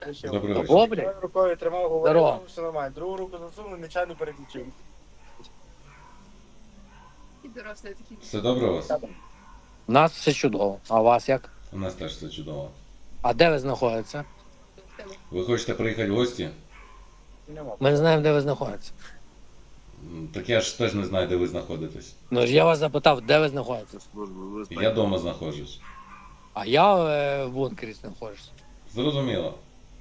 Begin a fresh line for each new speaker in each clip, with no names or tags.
Добрий вечір.
О, блядь.
Одною рукою тримав, говорив,
Здорово.
все нормально. Другу руку засунув, нечайно переключив.
Все добре у вас?
У нас все чудово. А у вас як?
У нас теж все чудово.
А де ви знаходитеся?
Ви хочете приїхати в гості?
Нема.
Ми не знаємо, де ви знаходитеся.
Так я ж теж не знаю, де ви знаходитесь.
Ну ж я вас запитав, де ви знаходитеся.
Я вдома знаходжусь.
А я в бункері знаходжуся.
Зрозуміло.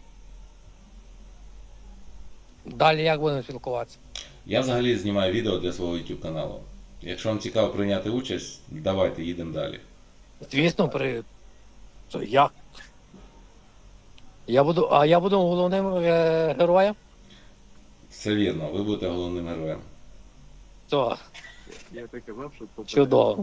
Далі як будемо спілкуватися?
Я взагалі знімаю відео для свого YouTube каналу. Якщо вам цікаво прийняти участь, давайте їдемо далі.
Звісно, То як? Я буду головним героєм?
Все вірно, ви будете головним героєм.
То,
Я так казав, що
чудово.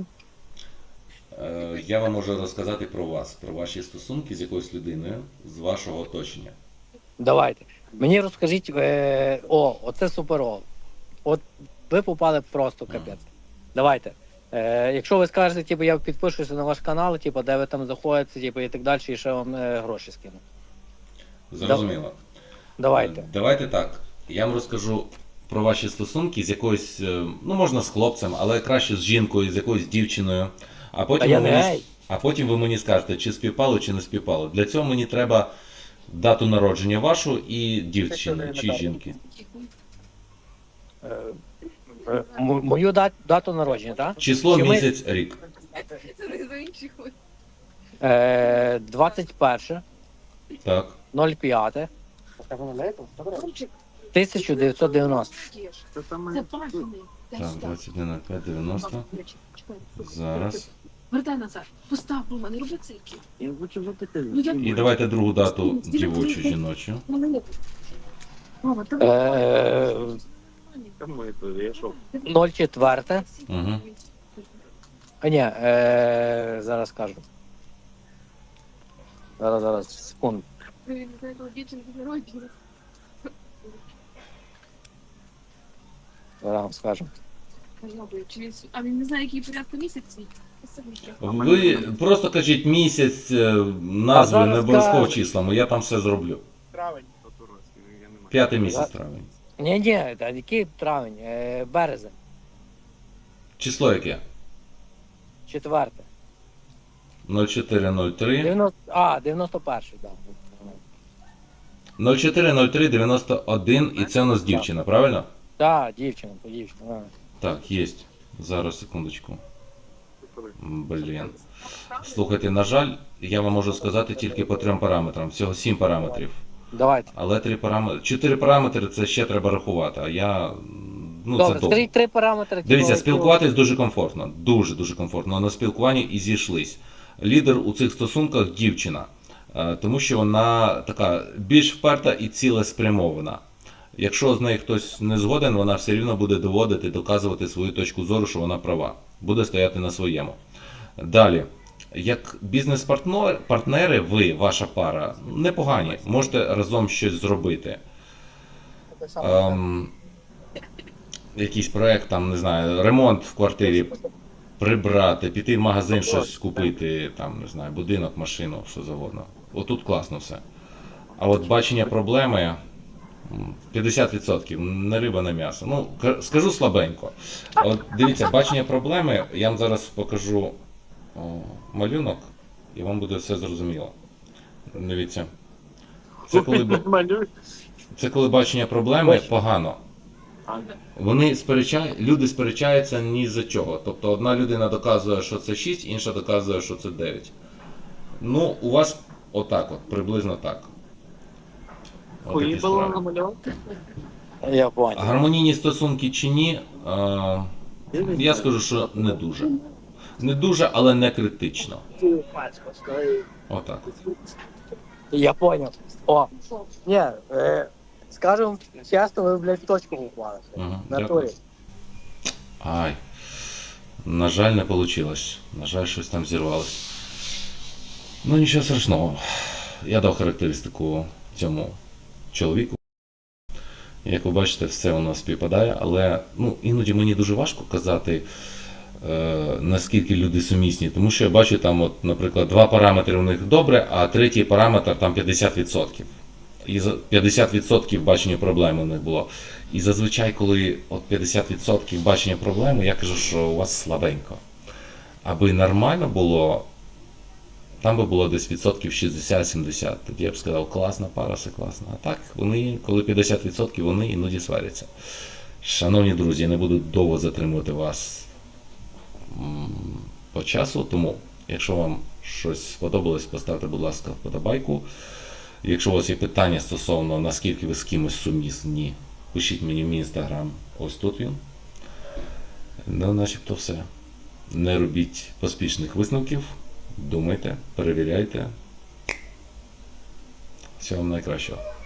Я вам можу розказати про вас, про ваші стосунки з якоюсь людиною з вашого оточення.
Давайте. Мені розкажіть, оце суперово. От ви попали просто капець. Давайте. Якщо ви скажете, типу, я підпишуся на ваш канал, типу, де ви там знаходитеся, типу, і так далі, і ще вам гроші скину.
Зрозуміло.
Давайте.
Давайте так. Я вам розкажу про ваші стосунки з якоюсь, ну можна з хлопцем, але краще з жінкою, з якоюсь дівчиною. А потім,
я
ви
не
мені,
гей.
а потім ви мені скажете, чи співпало, чи не співпало. Для цього мені треба дату народження вашу і дівчини, чи жінки.
Мою дату народження, так?
Число,
Чи ми-
місяць, рік.
21,
Так.
05, 1990.
це саме
Це бажаний.
Так, 21.05.90. Зараз.
Вертай назад. Постав, Рома, не роби цирки.
я хочу запитати.
Ну, я-
І давайте другу дату дівочу, жіночу.
Рома, давай.
Кому це? Я що?
04.
Угу.
А ні, зараз скажу. Зараз, секунду.
Не знаю, коли дівчинки народження.
Зараз вам скажу.
А він не знає, який порядку місяць.
Ви просто кажіть місяць, назви,
зараз
не обов'язково
кажу.
числами, я там все зроблю.
Травень.
Я не маю.
5-й місяць травень.
Ні, та який травень? Березень.
Число яке?
4.
0403
91, так.
040391 і це у нас дівчина, правильно?
Так, дівчина, то дівчина. а.
Так, є. Зараз, секундочку. Блін. Слухайте, на жаль, я вам можу сказати тільки по 3 параметрам. Всього 7 параметрів.
Давайте.
Але 4 параметри це ще треба рахувати, а я. Ну,
Добре,
це довго.
скажіть 3 параметри.
Дивіться,
типу,
спілкуватись дуже комфортно. Дуже комфортно. На спілкуванні і зійшлись. Лідер у цих стосунках дівчина. Тому що вона така більш вперта і цілеспрямована. Якщо з нею хтось не згоден, вона все рівно буде доводити, доказувати свою точку зору, що вона права. Буде стояти на своєму. Далі. Як бізнес-партнери, ви, ваша пара, непогані. Можете разом щось зробити.
Так само.
Якийсь проект, там, не знаю, ремонт в квартирі прибрати, піти в магазин щось купити, там, не знаю, будинок, машину, що завгодно. Отут класно все. А от бачення проблеми 50%, не риба, не м'ясо. Ну, скажу слабенько. От дивіться, бачення проблеми, я вам зараз покажу малюнок, і вам буде все зрозуміло. Дивіться. Це коли бачення проблеми погано. Люди сперечаються ні за чого. Тобто одна людина доказує, що це 6, інша доказує, що це 9. Ну, у вас отак от, приблизно так. Отакі справи.
Я понял.
Гармонійні стосунки чи ні, я скажу, що не дуже. Не дуже, але не критично. Отак.
Я понял. Ні, скажем чесно, ви, блядь, в точку попали.
Ага,
На
дякую.
турі.
Ай. На жаль, не вийшло. На жаль, щось там зірвалося. Ну нічого страшного. Я дав характеристику цьому чоловіку. Як ви бачите, все у нас співпадає, але іноді мені дуже важко казати, наскільки люди сумісні. Тому що я бачу там, от, наприклад, 2 параметри у них добре, а третій параметр там 50%. і 50% бачення проблеми у них було. І зазвичай, коли от 50% бачення проблеми, я кажу, що у вас слабенько. Аби нормально було, там би було десь відсотків 60-70. Тоді я б сказав, класна пара, все класно. А так, вони, коли 50%, вони іноді сваряться. Шановні друзі, я не буду довго затримувати вас по часу, тому, якщо вам щось сподобалось, поставте, будь ласка, вподобайку. Якщо у вас є питання стосовно, наскільки ви з кимось сумісні, пишіть мені в мій інстаграм, ось тут він. Ну, начебто все. Не робіть поспішних висновків, думайте, перевіряйте. Всього вам найкращого.